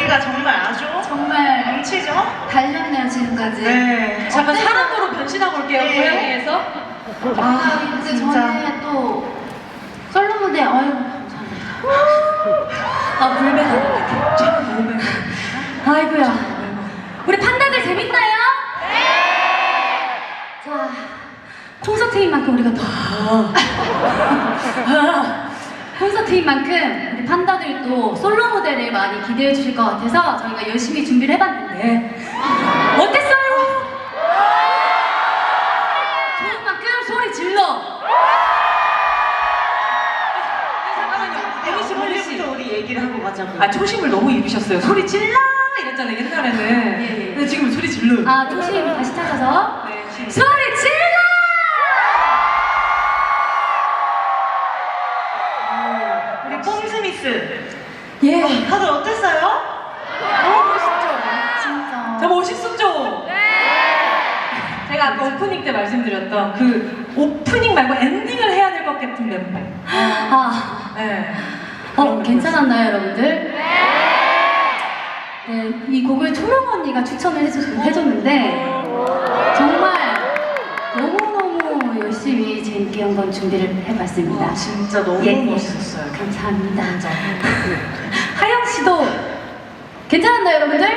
열기가 정말 아주 정말 넘치죠? 달렸네요 지금까지. 네. 잠깐 사람으로 변신하고 올게요. 네. 고양이에서. 근데 진짜. 저는 또 솔로 무대 감사합니다. 불배다. 참 불배다. 아이고야. 우리 판다들 재밌나요? 네. 자, 콘서트인 만큼 우리가 더 콘서트인 만큼 우리 판다들도 솔로 무대를 많이 기대해 주실 것 같아서 저희가 열심히 준비를 해봤는데 어땠어요? 좋은 만큼 소리 질러. 잠깐만요. 혜미 씨, 혜미 씨. 원래부터 우리 얘기를 하고 가자고. 아, 초심을 너무 잃으셨어요. 소리 질러! 이랬잖아요, 옛날에는. 예. 근데 지금 소리 질러. 아, 조심 다시 찾아서 네, 소리 질러! 우리 뽕스미스. 예. 다들 어땠어요? 너무 멋있죠? 진짜. 저 멋있었죠? 네! 제가 아까 오프닝 때 말씀드렸던 그 오프닝 말고 엔딩을 해야 될 것 같은 멤버. 아, 네. 괜찮았나요, 여러분들? 네, 이 곡을 초롱 언니가 추천을 해줬는데 정말 너무너무 열심히 재밌게 한번 준비를 해봤습니다. 진짜 너무 예, 예. 멋있었어요. 감사합니다. 하영 씨도 괜찮았나요, 여러분들?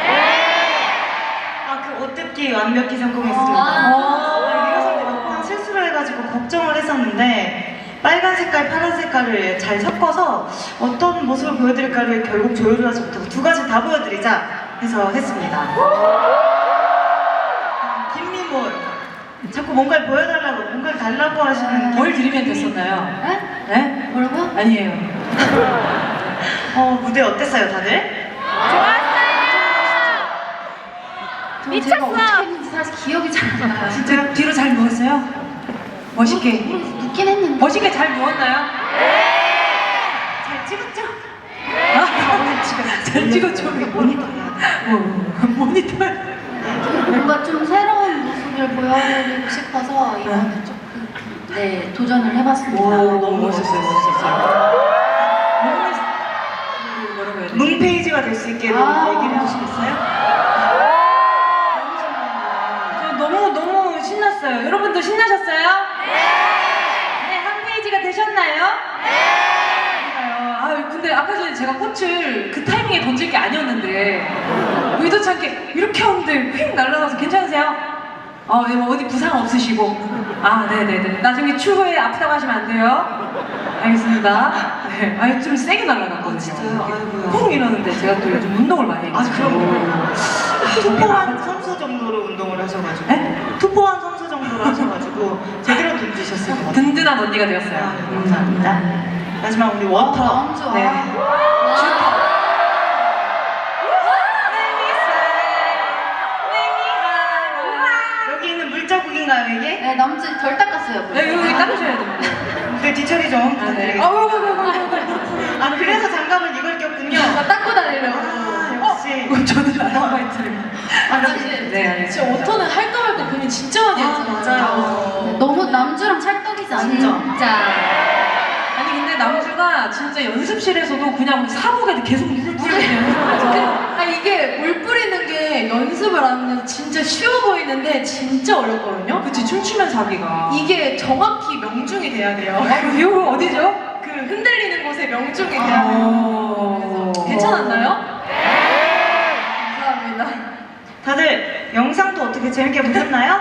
그 옷 듣기 완벽히 성공했습니다. 리허설 때 몇 번 실수를 해가지고 걱정을 했었는데 빨간 색깔, 파란 색깔을 잘 섞어서 어떤 모습을 보여드릴까를 결국 조율을 하지 못하고 두 가지 다 보여드리자 해서 했습니다. 김미몰 자꾸 뭔가를 보여달라고 뭔가를 달라고 하시는 뭘 드리면 됐었나요? 네? 네? 뭐라고요? 아니에요. 무대 어땠어요 다들? 제가 어떻게 했는지 사실 기억이 잘 안 나요. 진짜 뒤로 잘 누웠어요? 멋있게. 눕긴 했는데. 멋있게 잘 누웠나요? 잘 찍었죠? 잘 찍었죠? 모니터야. 모니터. 뭔가 좀 새로운 모습을 보여드리고 싶어서 이번에 조금 도전을 해봤습니다. 너무 멋있었어요. 뭐라고 해야 되지? 문페이지가 될 수 있게 얘기를 해주시겠어요? 너무 신났어요. 여러분도 신나셨어요? 네, 한 페이지가 되셨나요? 아, 근데 아까 전에 제가 꽃을 그 타이밍에 던질 게 아니었는데 의도치 않게 이렇게 하는데 휙 날아가서 괜찮으세요? 어디 부상 없으시고? 네네네. 나중에 추후에 아프다고 하시면 안 돼요. 알겠습니다. 네. 좀 세게 날아갔거든요. 진짜요? 아이고야. 쿵 이러는데 제가 또 요즘 운동을 많이 해가지고. 그럼요. 투포한 선수 정도로 운동을 하셔가지고 네? 투포한 선수 정도로 하셔가지고 제대로 던지셨을 것 같아요. 든든한 언니가 되었어요. 감사합니다. 마지막 우리 워터. 너무 좋아. 네. 여기 있는 물자국인가요 이게? 네, 남친 덜 닦았어요. 네, 여기 닦으셔야 됩니다. 그 뒤처리 좀 네. 부탁드리겠습니다. 그래서 장갑을 이걸 꼈군요. 나 닦고 다니려고. 역시. 저는 아르바이트를. 네, 알겠습니다. 진짜 워터는 할까 말까 고민 진짜 많이 했잖아요. 맞아요. 너무 남주랑 찰떡이지 않죠? 진짜. 아니 근데 남주가 진짜 연습실에서도 그냥 사복에 계속 물을 뿌리는 연습하죠. 이게 물 뿌리는 게 연습을 안 하면 진짜 쉬워 보이는데 진짜 어렵거든요. 그치, 춤추면서 하기가. 이게 정확히 명중이 돼야 돼요. 이거 어디죠? 그 흔들리는 곳에 명중이 돼야 돼요. 그래서 괜찮았나요? 감사합니다. 다들 영상도 어떻게 재밌게 보셨나요?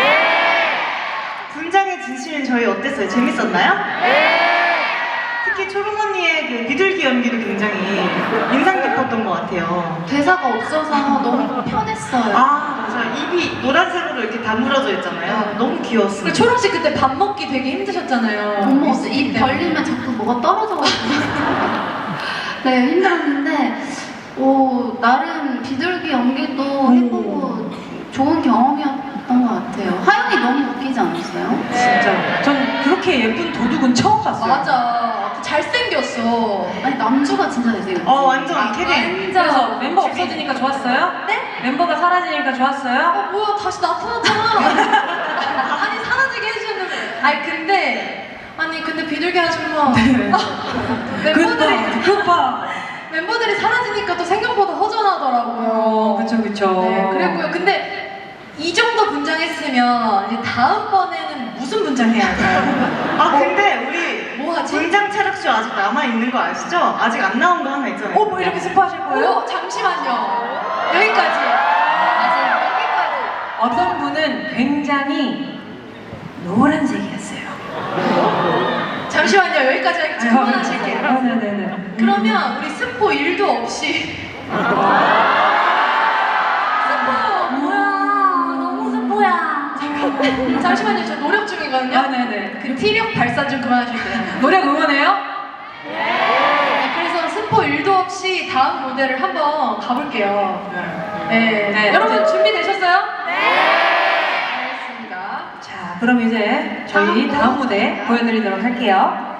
분장의 진실은 저희 어땠어요? 재밌었나요? 특히 초롱 언니의 그 비둘기 연기도 굉장히 인상 깊었던 것 같아요. 대사가 없어서 너무 편했어요. 맞아. 입이 노란색으로 이렇게 다물어져 있잖아요. 너무 귀여웠어요. 그리고 초롱 씨 그때 밥 먹기 되게 힘드셨잖아요. 너무 입 벌리면 자꾸 뭐가 떨어져가지고. 네, 힘들었는데, 나름 비둘기 연기도 해보고 좋은 경험이었던 것 같아요. 하영이 너무 웃기지 않았어요? 진짜. 전 그렇게 예쁜 도둑은 처음 봤어요. 맞아. 잘생겼어. 아니, 남주가 진짜 잘생겼어. 완전 캐리. 그래서 멤버 없어지니까 좋았어요? 네? 멤버가 사라지니까 좋았어요? 뭐야 다시 나타났잖아. 아니 사라지게 해주셨는데. 근데 비둘기 아줌마. 멤버들이 그봐. 멤버들이 사라지니까 또 생각보다 허전하더라고요. 그쵸. 네, 그랬고요. 근데 이 정도 분장했으면 이제 다음번에는 무슨 분장해야 할까요? 아 근데 우리 뭐 하지? 분장 체력쇼 아직 남아 있는 거 아시죠? 아직 안 나온 거 하나 있잖아요. 뭐 이렇게 스포하실 거예요? 잠시만요. 여기까지. 아직 여기까지. 어떤 분은 굉장히 노란색이었어요. 잠시만요. 여기까지 할게요. 그만하실게요. 네네네. 그러면 우리 스포 1도 없이 잠시만요. 저 노력 중이거든요. 아, 네네. 그 티력 발산 좀 그만하실게요. 노래 응원해요? 네, 그래서 스포 1도 없이 다음 무대를 한번 가볼게요. 네. 네. 여러분 준비되셨어요? 네. 알겠습니다. 자, 그럼 이제 저희 다음 무대 보여드리도록 할게요.